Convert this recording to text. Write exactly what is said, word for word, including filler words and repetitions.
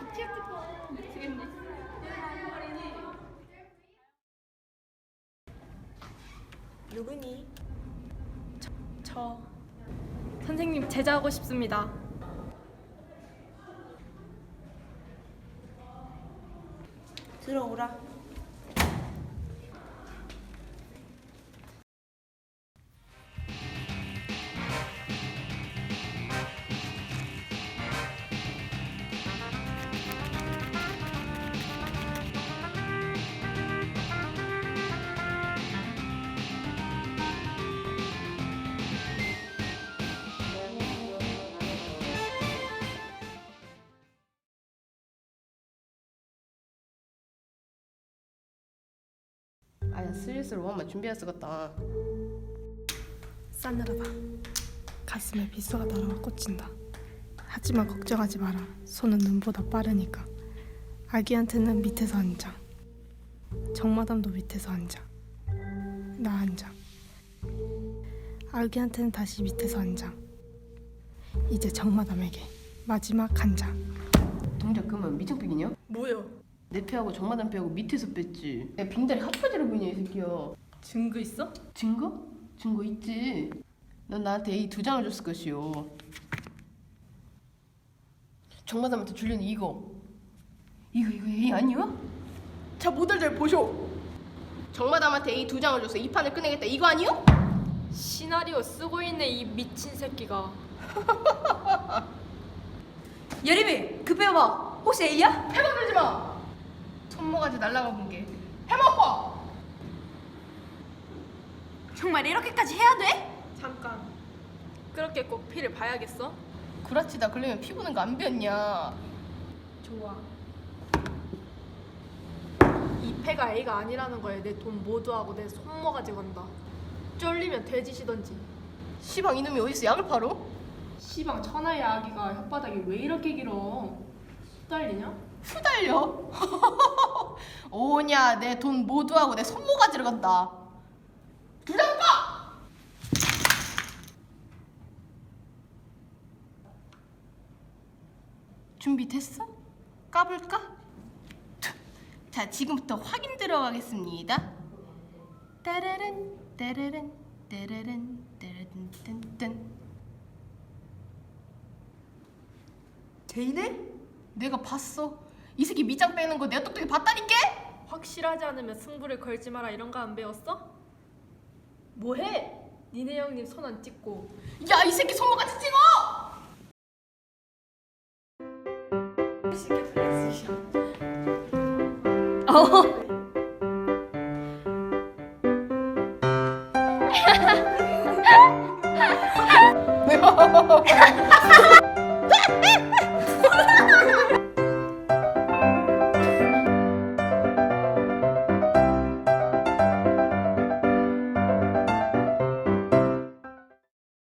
귀엽겠다. 미치겠네. 누구니? 저, 저 선생님 제자하고 싶습니다. 들어오라. 아야 슬슬 원만 준비해야 쓰겠다. 싸늘하다. 가슴에 비수가 날아와 꽂힌다. 하지만 걱정하지 마라. 손은 눈보다 빠르니까. 아기한테는 밑에서 앉아. 정마담도 밑에서 앉아. 나 앉아. 아기한테는 다시 밑에서 앉아. 이제 정마담에게 마지막 한 장. 동작 그만 미적백이냐? 뭐요? 내 패하고 정마담 패하고 밑에서 뺐지. 내 빙다리 핫바지로 보이냐 이 새끼야. 증거 있어? 증거? 증거 있지. 넌 나한테 A 두 장을 줬을 것이오. 정마담한테 줄려는 이거. 이거 이거 A 아니야? 자 모델 잘 보쇼. 정마담한테 A 두 장을 줘서 이 판을 끝내겠다 이거 아니요? 시나리오 쓰고 있네 이 미친 새끼가. 예림이 급해봐. 혹시 A야? 해먹으지 마. 손모가지 날라가 본 게 해먹고. 정말 이렇게까지 해야 돼? 잠깐. 그렇게 꼭 피를 봐야겠어? 구라치다 걸리면 피 부는 거 안 배웠냐? 좋아. 이 패가 A가 아니라는 거에 내 돈 모두 하고 내 손모가지 건다. 쫄리면 돼지시던지. 시방 이놈이 어디서 약을 팔어? 시방 천하의 아기가 혓바닥이 왜 이렇게 길어? 수달리냐? 후달려. 오냐 내 돈 모두 하고 내 손모가지를 건다. 두장 빠! 준비됐어? 까볼까? 자 지금부터 확인 들어가겠습니다. 따라란 따라란 따라란 따라란 딴딴. 제이네? 내가 봤어. 이 새끼 밑장 빼는 거 내가 똑똑히 봤다니까? 확실하지 않으면 승부를 걸지 마라 이런 거 안 배웠어? 뭐해? 니네 형님 손 안 찍고. 야 이 새끼 손모가지 찍어! 쉽게 플렉스셔. 어.